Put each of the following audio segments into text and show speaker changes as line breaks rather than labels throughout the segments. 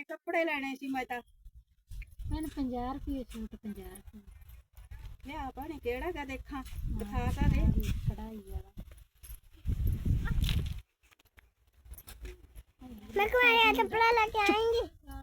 ਕੱਪੜੇ ਲੈਣੇ ਸੀ ਮੈਂ ਤਾਂ।
मैंने 50 रुपये सूट 50 रुपये
ਲਿਆ ਭਾਣੇ ਕਿਹੜਾ ਗਾ ਦੇਖਾਂ, ਦਿਖਾ ਤਾਂ ਦੇ।
कढ़ाई वाला
मैं को ये कपड़ा लेके आएंगे।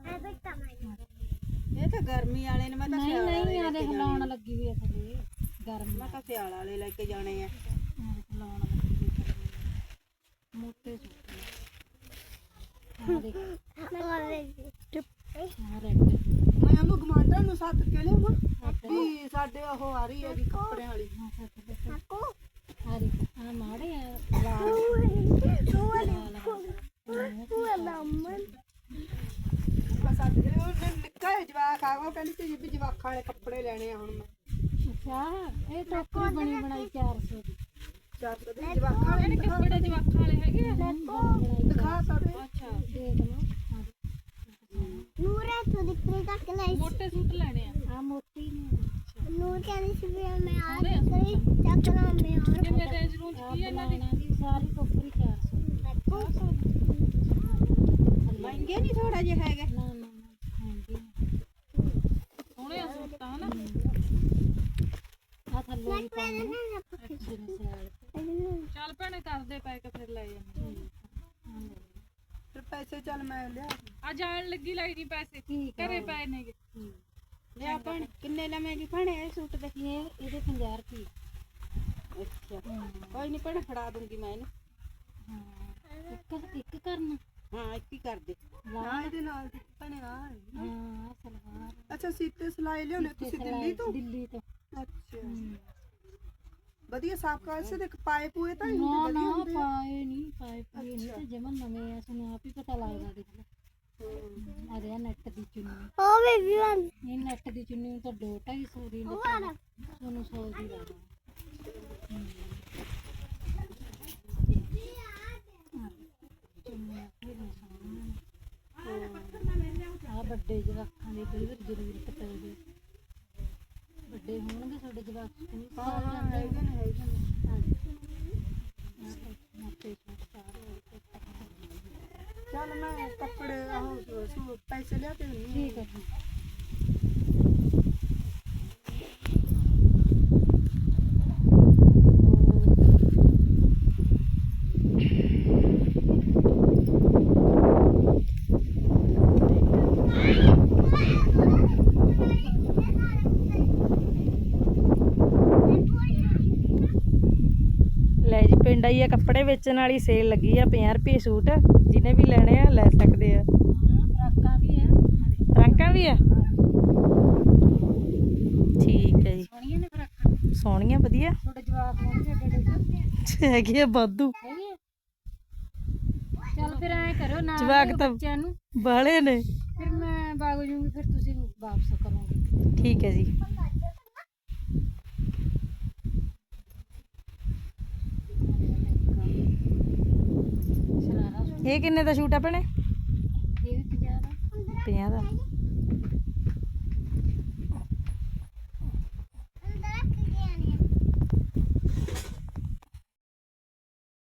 ਇਹ ਤਾਂ ਗਰਮੀ ਵਾਲੇ ਨੇ, ਮੈਂ ਤਾਂ
नहीं
ਸਿਆਲ ਵਾਲੇ
नहीं
ਲੈ
यार
ਕੇ ਜਾਣੇ
लाउन लगी हुई है थले गर्म
ਮੈਂ ਤਾਂ ਸਿਆਲ ਵਾਲੇ ਲੈ ਕੇ ਜਾਣੇ ਆ।
लाउन लगी हुई है मोटे सूट हां देख
और
हां रेड
ਮੈਂ ਉਹਨੂੰ ਗਮਾਂਡਰ ਨੂੰ ਸੱਦ ਕੇ ਲਿਆਵਾਂ ਵੀ ਸਾਡੇ ਉਹ ਆ ਰਹੀ ਹੈਗੀ ਕੱਪੜਿਆਂ ਵਾਲੀ।
आपको
हरी हां माड़े लाल
वो दामन
ਮੈਂ ਸੱਦ ਕੇ ਉਹਨੇ ਨਿੱਕਾ ਜਿਹਾ ਜਵਾਕ ਆ ਗਿਆ, ਉਹ ਕਹਿੰਦੀ ਸੀ ਵੀ ਜਵਾਕਾਂ ਵਾਲੇ ਕੱਪੜੇ ਲੈਣੇ ਆ ਹੁਣ ਮੈਂ।
अच्छा ये टोकरी बनी बनाई 400 की
ਚੱਲ ਤੇ ਜਵਾਕਾਂ ਵਾਲੇ ਕੱਪੜੇ
जवाखां वाले हैगे
ਦਿਖਾ ਸਕਦੇ।
अच्छा देख लो
नूर है तो दिखने तक नहीं।
मोटे सूट लेने हैं हां मोटी नहीं
नूर कहने से भी मैं आज करी चकना में और
कितने रेंज रूम की है ना दी सारी टोकरी 400
ਮਹਿੰਗੇ ਨਹੀਂ ਥੋੜਾ ਜਿਹਾ ਹੈਗਾ।
ना ना महंगी सोने सूट है ना आ थल्ले भी पाने चल भैने कर दे पैक फिर ले जाने
ਫਿਰ ਪੈਸੇ ਚੱਲ ਮੈਂ ਲਿਆ
आ जान लगी लाई नहीं पैसे घरे पै ने
ਲਿਆ ਭੈਣ। ਕਿੰਨੇ ਲਵੇਂਗੀ ਭੈਣੇ ਇਹ ਸੂਟ ਦੇ?
ये ਇਹਦੇ 50 ਰੁਪਏ
ਅੱਛਾ ਕੋਈ ਨਹੀਂ ਭੈਣੇ, ਫੜਾ ਦੂੰਗੀ ਮੈਂ ਇਹਨੂੰ।
ਹਾਂ ਇੱਕ ਕਰਨਾ
ਹਾਂ ਇੱਕ ਹੀ ਕਰ ਦੇ। ਹਾਂ ਇਹਦੇ ਨਾਲ ਦੀ ਭੈਣੇ ਆ
ਹਾਂ ਸਲਵਾਰ
ਅੱਛਾ ਸੀਤੇ ਸਿਲਾਈ ਲਿਆਉਣੇ ਤੁਸੀਂ ਦਿੱਲੀ ਤੋਂ?
ਦਿੱਲੀ ਤੋਂ
ਅੱਛਾ ਵਧੀਆ ਸਾਫ ਕਰ ਸੇ ਦੇਖ ਪਾਏ ਪੂਏ ਤਾਂ
ਨਾ
ਇੰਨੇ
ਨਾ
ਵਧੀਆ ਹੁੰਦੇ ਆ।
ਪਾਏ ਨਹੀਂ ਨਹੀਂ ਤੇ ਜਮਨ ਨਵੇਂ ਆ ਸਾਨੂੰ ਆਪ ਹੀ ਪਤਾ ਲੱਗਦਾ ਦੇਖ ਲੈ ਆ ਰਿਹਾ ਨੈਟ ਦੀ ਚੁੰਨੀ
ओ बेबी वन
ਇਹ ਨੈਟ ਦੀ ਚੁੰਨੀ ਨੂੰ ਤਾਂ 2-250 ਦੀ ਲੱਗਦੀ ਤੁਹਾਨੂੰ 100 ਦੀ ਲੱਗਦਾ ਆ ਵੱਡੇ ਜਵਾਕਾਂ ਦੇ ਕਈ ਵਾਰ ਜ਼ਰੂਰਤ ਪੈਂਦੀ ਵੱਡੇ ਹੋਣਗੇ ਸਾਡੇ ਜਵਾਕ ਸਕੂਲ
ਹਾਂ ਹੈਗੇ ਨੇ ਹੈਗੇ ਨੇ।
ਮੋਟੇ ਸੂਟ ਸਾਰੇ
ਚੱਲ ਮੈਂ ਕੱਪੜੇ ਆਹ ਸੂਟ ਪੈਸੇ ਲਿਆ ਕੇ ਦਿੰਦੀ
ਠੀਕ ਹੈ ਜੀ
ਲੈ ਜੀ ਪਿੰਡ ਆਈ ਆ ਕੱਪੜੇ ਵੇਚਣ ਵਾਲੀ ਸੇਲ ਲੱਗੀ ਆ 50 ਰੁਪਏ ਸੂਟ ਜਿਹਨੇ ਵੀ ਲੈਣੇ ਆ ਲੈ ਸਕਦੇ ਆ।
ਫਰਾਕਾਂ ਵੀ ਹੈ
ਫਰਾਕਾਂ ਵੀ ਆ ਠੀਕ ਹੈ ਜੀ
ਸੋਹਣੀਆਂ ਨੇ ਫਰਾਕਾਂ
ਸੋਹਣੀਆਂ ਵਧੀਆ
ਤੁਹਾਡੇ ਜਵਾਕ ਹੋਣਗੇ ਏਡੇ
ਹੈਗੇ ਆ ਵਾਧੂ
ਹੈਗੇ ਆ? ਚੱਲ ਫਿਰ ਐ ਕਰੋ ਨਾ
ਜਵਾਕ ਤਾਂ
ਬੱਚਿਆਂ ਨੂੰ
ਬਾਹਲੇ ਨੇ।
ਫਿਰ ਮੈਂ ਬਾਗ ਜੂੰਗੀ ਫਿਰ ਤੁਸੀਂ ਵਾਪਸ ਕਰੋਗੇ
ਠੀਕ ਹੈ ਜੀ
ਸ਼ਰਾਰਾ
ਇਹ ਕਿੰਨੇ ਦਾ ਸੂਟ ਆ ਭੈਣੇ?
ਇਹ ਵੀ 50 ਦਾ
50 ਦਾ